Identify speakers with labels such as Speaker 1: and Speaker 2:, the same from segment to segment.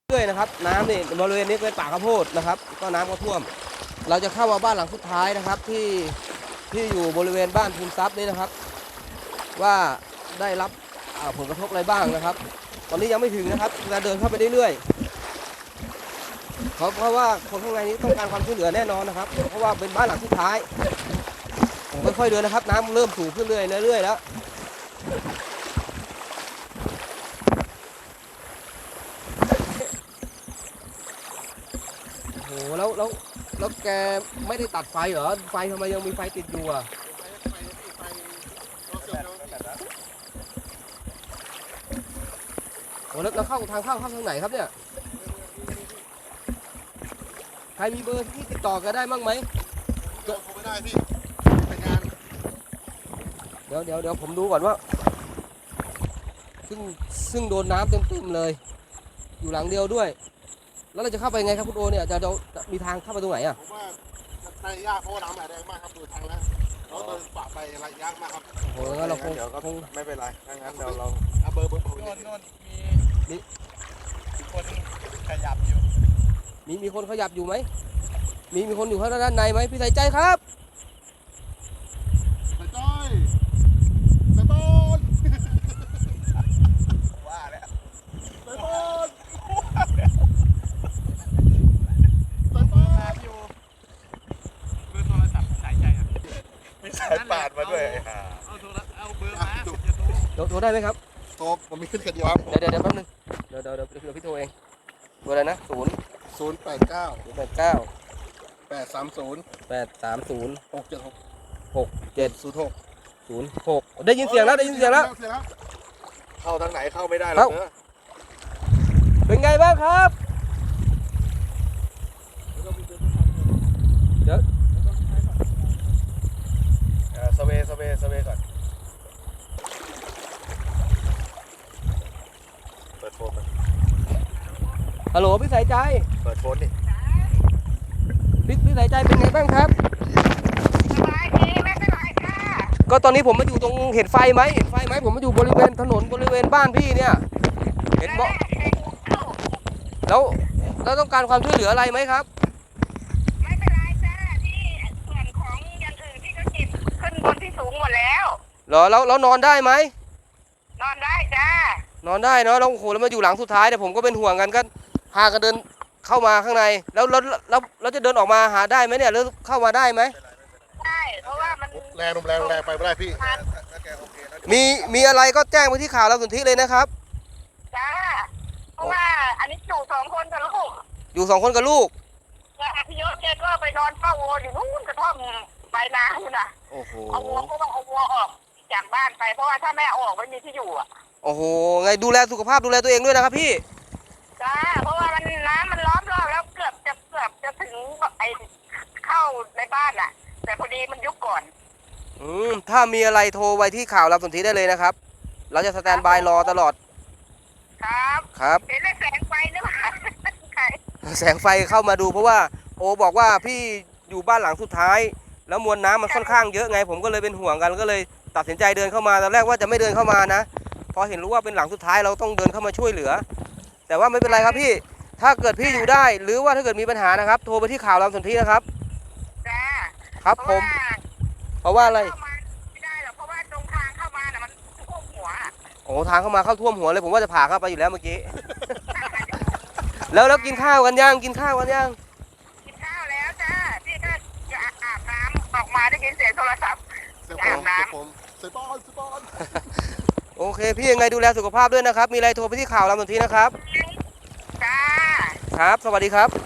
Speaker 1: เรื่อยนะครับน้ำนี่บริเวณนี้เป็นป่าข้าวโพดนะครับก็น้ำก็ท่วมเราจะเข้ามาบ้านหลังสุดท้ายนะครับที่อยู่บริเวณบ้านภูมิทรัพย์นี้นะครับว่าได้รับผลกระทบอะไรบ้างนะครับตอนนี้ยังไม่ถึงนะครับเราเดินเข้าไปเรื่อยๆเพราะว่าคนข้างในนี้ต้องการความช่วยเหลือแน่นอนนะครับเพราะว่าเป็นบ้านหลังสุดท้ายผมค่อยๆเดินนะครับน้ำเริ่มสูงขึ้นเรื่อยๆแล้วโอ้โหแล้วแกไม่ได้ตัดไฟเหรอไฟทำไมยังมีไฟติดอยู่อ่ะโอ้แล้วเข้าทางเข้าทางไหนครับเนี่ยใครมีเบอร์ที่ติดต่อกันได้บ้างไหม
Speaker 2: โทรไม่ได้พี่ไปงาน
Speaker 1: เดี๋ยวผมดูก่อนว่าซึ่งโดนน้ำเต็มเลยอยู่หลังเดียวด้วยแล้วเราจะเข้าไปไงครับคุณโอเนี่ยจะมีทางเข้าไปตรงไหนอ่ะ
Speaker 2: ผมว่าไปยากเพราะน้ำแรงมากครับดูทางแล้วเราเดินฝ่าไประยะมากครับ
Speaker 1: โอ้โหงั้นเราคง
Speaker 3: ไม่เป็นไรงั้นเดี๋ยวเรา
Speaker 2: เอาเบอร์
Speaker 3: โน่นมีคนขยับอยู่
Speaker 1: มีคนขยับอยู่ไหมมีคนอยู่ข้างด้านในไหมพี่ใส่ใจครับ
Speaker 2: ใส่ต้อยใส่ต้น
Speaker 3: ว่าแล้ว
Speaker 2: ใส่ต้น
Speaker 3: ใส่ต้นอยู่เบอร์โทรศัพท์สายใจครับมีสายปาดมาด้วยเอาเบอร์มา
Speaker 1: โทรได้ไหมครับ
Speaker 2: โทรผมมีขึ้นกันเดียวครับ
Speaker 1: เดี๋ยวแป๊บนึงเดี๋ยวพี่โทรเองเบอร์อะไรนะ
Speaker 2: 089 830
Speaker 1: 676 ได้ยินเสียงแล้ว
Speaker 3: เข้าทางไหนเข้าไม่ได้หรอกเนอะ
Speaker 1: เป็นไงบ้างครับเดี๋ยว
Speaker 3: สเวก่อนเปิดโฟน
Speaker 1: ฮัลโหลพี่สายใจ
Speaker 3: เปิดโฟนดิ
Speaker 1: พี่สายใจเป็นไงบ้างครับ
Speaker 4: สบายดีไม่เป็นไรค่ะ
Speaker 1: ก็ตอนนี้ผมมาอยู่ตรงเห็นไฟไหมผมมาอยู่บริเวณถนนบริเวณบ้านพี่เนี่ยเห็นบอกแล้วต้องการความช่วยเหลืออะไรไหมครับ
Speaker 4: ไม่เป็นไรจ้าที่ส่วนของอย่างอื่นที่เขาจิบขึ้นบนที่สูงหมดแล้ว
Speaker 1: เหรอแล้วนอนได้ไหม
Speaker 4: นอนได้จ้าน
Speaker 1: อนได้เนาะแล้วโอ้โหแล้วมาอยู่หลังสุดท้ายแต่ผมก็เป็นห่วงกันก็พากันเดินเข้ามาข้างในแล้วจะเดินออกมาหาได้ไหมเนี่ยหรือเข้ามาได้ไหม
Speaker 4: ได้เพราะว่ามัน
Speaker 2: แรงไปไม่ได้พี่
Speaker 1: มีอะไรก็แจ้งไปที่ข่าวเราสุนทรเลยนะครับ
Speaker 4: จ้าเพราะว่าอันนี้อยู่2 คนกับลูก
Speaker 1: อยู่2 คนกับลูก
Speaker 4: พี่ยศแกก็ไปนอนเฝ้าวัวอยู่นู่นกระท่อมปลายนาอยู่น่ะ
Speaker 1: โอ้โห
Speaker 4: เอาวัวก็ต้องเอาวัวออกจากบ้านไปเพราะว่าถ้าแม่ออกไม่มีที่อยู่อ่ะ
Speaker 1: โอ้โหไงดูแลสุขภาพดูแลตัวเองด้วยนะครับพี่
Speaker 4: จ้าเพราะว่าน้ำมันล้อมรอบแล้วเกือบจะถึงไอ้เข้าในบ้านอ่ะแต่พอดีมันยุบก่อน
Speaker 1: ถ้ามีอะไรโทรไว้ที่ข่าวเราสุนทรได้เลยนะครับเราจะสแตนบายรอตลอด
Speaker 4: ครับเห็นแสงไฟนึกว่า
Speaker 1: แสงไฟเข้ามาดูเพราะว่าโอบอกว่าพี่อยู่บ้านหลังสุดท้ายแล้วมวลน้ำมันค่อนข้างเยอะไงผมก็เลยเป็นห่วงกันก็เลยตัดสินใจเดินเข้ามาตอนแรกว่าจะไม่เดินเข้ามานะพอเห็นรู้ว่าเป็นหลังสุดท้ายเราต้องเดินเข้ามาช่วยเหลือแต่ว่าไม่เป็นไรครับพี่ถ้าเกิดพี่อยู่ได้หรือว่าถ้าเกิดมีปัญหานะครับโทรไปที่ข่าวเราสุนทรนะครับครับผมเพราะว่าอะไร
Speaker 4: ไม่ได้หรอกเพราะว่าตรงทางเข้ามาน่ะมันท่วมหัว
Speaker 1: โอ้ทางเข้ามาเข้าท่วมหัวเลยผมว่าจะผ่าเข้าไปอยู่แล้วเมื่อกี้แล้วกินข้าวกันยัง
Speaker 4: กินข้าวแล้วจ้าพี่ก็จะอาบน้ำออกมาได้ยินเสียงโทรศัพท์อาบน้
Speaker 2: ำใส่บอล
Speaker 1: โอเคพี่ยังไงดูแลสุขภาพด้วยนะครับมีอะไรโทรไปที่ข่าวเราสุนทรนะครับ
Speaker 4: จ้า
Speaker 1: ครับสวัสดีครับ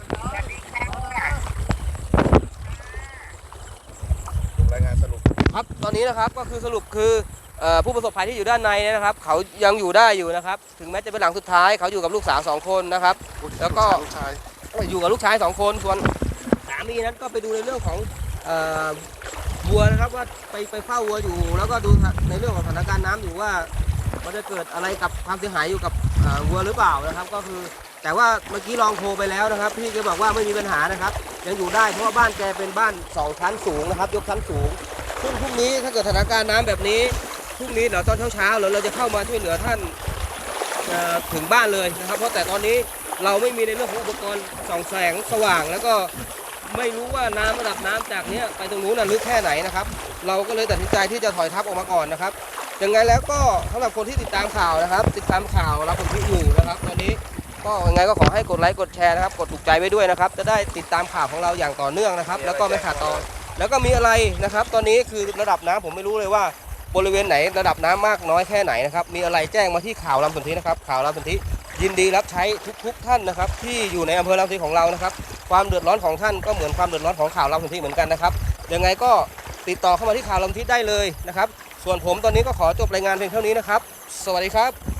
Speaker 3: รายงานสรุป
Speaker 1: ครับตอนนี้นะครับก็คือสรุปคือผู้ประสบภัยที่อยู่ด้านในนะครับเขายังอยู่ได้อยู่นะครับถึงแม้จะเป็นหลังสุดท้ายเขาอยู่กับลูกสาว2 คนนะครับแล้วก็อยู่กับลูกชาย2 คนส่วนสามีนั้นก็ไปดูในเรื่องของวัวนะครับว่าไปเฝ้าวัวอยู่แล้วก็ดูในเรื่องของสถานการณ์น้ำอยู่ว่ามันจะเกิดอะไรกับความเสียหายอยู่กับวัวหรือเปล่านะครับก็คือแต่ว่าเมื่อกี้ลองโทรไปแล้วนะครับพี่แกบอกว่าไม่มีปัญหานะครับยังอยู่ได้เพราะว่าบ้านแกเป็นบ้าน2 ชั้นสูงนะครับยกชั้นสูงซึ่งพรุ่งนี้ถ้าเกิดสถานการณ์น้ำแบบนี้พรุ่งนี้เดี๋ยวตอนเช้าเราจะเข้ามาช่วยเหลือท่านถึงบ้านเลยนะครับเพราะแต่ตอนนี้เราไม่มีในเรื่องของอุปกรณ์ส่องแสงสว่าง แล้วก็ไม่รู้ว่าน้ำระดับน้ำจากเนี้ยไปตรงนู้นลึกแค่ไหนนะครับเราก็เลยตัดสินใจที่จะถอยทับออกมาก่อนนะครับยังไงแล้วก็สำหรับคนที่ติดตามข่าวนะครับติดตามข่าวรับผลที่อยู่นะครับตอนนี้ก็ยังไงก็ขอให้กดไลค์กดแชร์นะครับกดถูกใจไว้ด้วยนะครับจะได้ติดตามข่าวของเราอย่างต่อเนื่องนะครับแล้วก็ไม่ขาดตอนแล้วก็มีอะไรนะครับตอนนี้คือระดับน้ำผมไม่รู้เลยว่าบริเวณไหนระดับน้ำมากน้อยแค่ไหนนะครับมีอะไรแจ้งมาที่ข่าวลำสนธินะครับข่าวลำสนธิยินดีรับใช้ทุกท่านนะครับที่อยู่ในอำเภอลำสนธิของเรานะครับความเดือดร้อนของท่านก็เหมือนความเดือดร้อนของข่าวลำสนธิเหมือนกันนะครับยังไงก็ติดต่อเข้ามาที่ข่าวลำสนธิได้เลยนะครับส่วนผมตอนนี้ก็ขอจบรายงานเพียงเท่านี้นะครับสวัสดีครับ